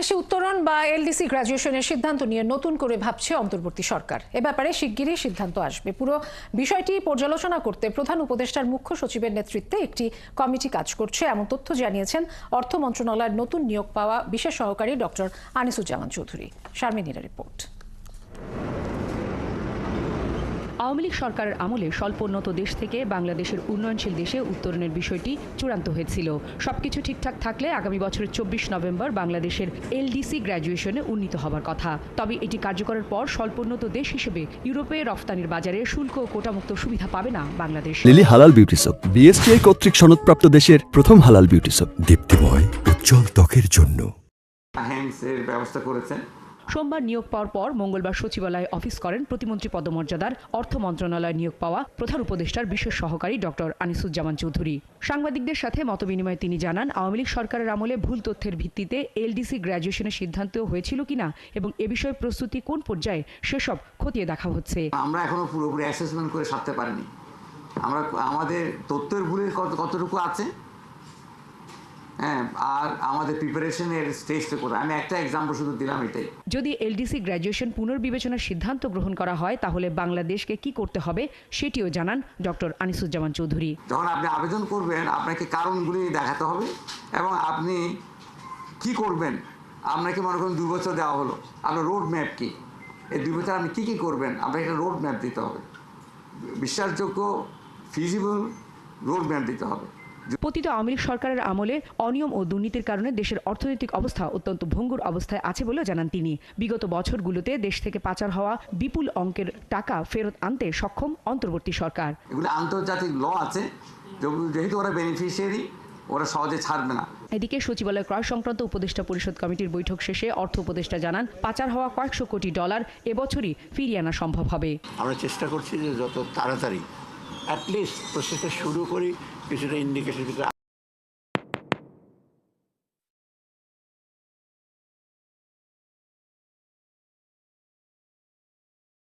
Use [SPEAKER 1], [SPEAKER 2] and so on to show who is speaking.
[SPEAKER 1] বাংলাদেশে উত্তরণ বা এলডিসি গ্র্যাজুয়েশনের সিদ্ধান্ত নিয়ে নতুন করে ভাবছে অন্তর্বর্তী সরকার। এ ব্যাপারে শিগগিরই সিদ্ধান্ত আসবে। পুরো বিষয়টি পর্যালোচনা করতে প্রধান উপদেষ্টার মুখ্য সচিবের নেতৃত্বে একটি কমিটি কাজ করছে, এমন তথ্য জানিয়েছেন অর্থ মন্ত্রণালয়ের নতুন নিয়োগ পাওয়া বিশেষ সহকারী ডক্টর আনিসুজ্জামান চৌধুরী। শারমিনীর রিপোর্ট।
[SPEAKER 2] আওয়ামী লীগ সরকারের আমলে স্বল্পোন্নত দেশ থেকে বাংলাদেশের উন্নয়নশীল দেশে উত্তরণের বিষয়টি চূড়ান্ত হয়েছিল। সবকিছু ঠিকঠাক থাকলে আগামী বছরের 24 নভেম্বর বাংলাদেশের এলডিসি গ্র্যাজুয়েশনে উন্নীত হবার কথা। তবে এটি কার্যকরের পর স্বল্পোন্নত দেশ হিসেবে ইউরোপে রফতানির বাজারে শুল্ক ও কোটামুক্ত সুবিধা পাবে না বাংলাদেশ।
[SPEAKER 3] লিলি হালাল বিউটি সোপ, বিএসটিআই কর্তৃক সনদপ্রাপ্ত দেশের প্রথম হালাল বিউটি সোপ, দীপ্তিময় উজ্জ্বল ত্বকের জন্য।
[SPEAKER 4] হ্যান্ডসের ব্যবস্থা করেছেন।
[SPEAKER 2] সোমবার নিয়োগ পাওয়ার পর মঙ্গলবার সচিবালয়ে অফিস করেন প্রতিমন্ত্রী পদমর্যাদার অর্থ মন্ত্রণালয়ে নিয়োগ পাওয়া প্রধান উপদেষ্টার বিশেষ সহকারী ডক্টর আনিসুজ্জামান চৌধুরী। সাংবাদিকদের সাথে মতবিনিময়ে তিনি জানান, আওয়ামী লীগ সরকারের আমলে ভুল তথ্যের ভিত্তিতে এলডিসি গ্র্যাজুয়েশনের সিদ্ধান্ত হয়েছিল কিনা এবং এ বিষয়ে প্রস্তুতি কোন পর্যায়ে সেসব খতিয়ে দেখা হচ্ছে।
[SPEAKER 4] আমরা এখনো পুরোপুরি অ্যাসেসমেন্ট করে সারতে পারিনি। আমাদের তথ্যের ভুলের কতটুকু আছে, হ্যাঁ, আর আমাদের প্রিপারেশনের স্টেজটা করে আমি একটা এক্সাম্পল শুধু দিলাম এটাই।
[SPEAKER 2] যদি এলডিসি গ্র্যাজুয়েশন পুনর্বিবেচনার সিদ্ধান্ত গ্রহণ করা হয় তাহলে বাংলাদেশকে কি করতে হবে সেটিও জানান ডক্টর আনিসুজ্জামান চৌধুরী।
[SPEAKER 4] যখন আপনি আবেদন করবেন আপনাকে কারণগুলি দেখাতে হবে এবং আপনি কি করবেন। আপনাকে মনে করুন 2 বছর দেওয়া হলো, আপনার রোড ম্যাপ কি, এই 2 বছর আপনি কী করবেন, আপনাকে একটা রোড ম্যাপ দিতে হবে, বিশ্বাসযোগ্য ফিজিবল রোড ম্যাপ দিতে হবে।
[SPEAKER 2] পতিত আওয়ামী লীগ সরকারের আমলে অনিয়ম ও দুর্নীতির কারণে দেশের অর্থনৈতিক অবস্থা অত্যন্ত ভঙ্গুর অবস্থায় আছে বলে জানান তিনি। বিগত বছরগুলোতে দেশ থেকে পাচার হওয়া বিপুল অঙ্কের টাকা ফেরত আনতে সক্ষম অন্তর্বর্তী সরকার।
[SPEAKER 4] এগুলো আন্তর্জাতিক ল আছে, যেহেতু ওরা বেনিফিশিয়ারি, ওরা সহজে ছাড়বে না।
[SPEAKER 2] এদিকে সচিবালয় ক্রয় সংক্রান্ত উপদেষ্টা পরিষদ কমিটির বৈঠক শেষে অর্থ উপদেষ্টা জানান, পাচার হওয়া কয়েকশো কোটি ডলার এবছরই ফিরিয়ে আনা সম্ভব হবে।
[SPEAKER 5] আমরা চেষ্টা করছি যে যত তাড়াতাড়ি অ্যাটলিস্ট প্রসেসটা শুরু করি, কিছুটা ইন্ডিকেশন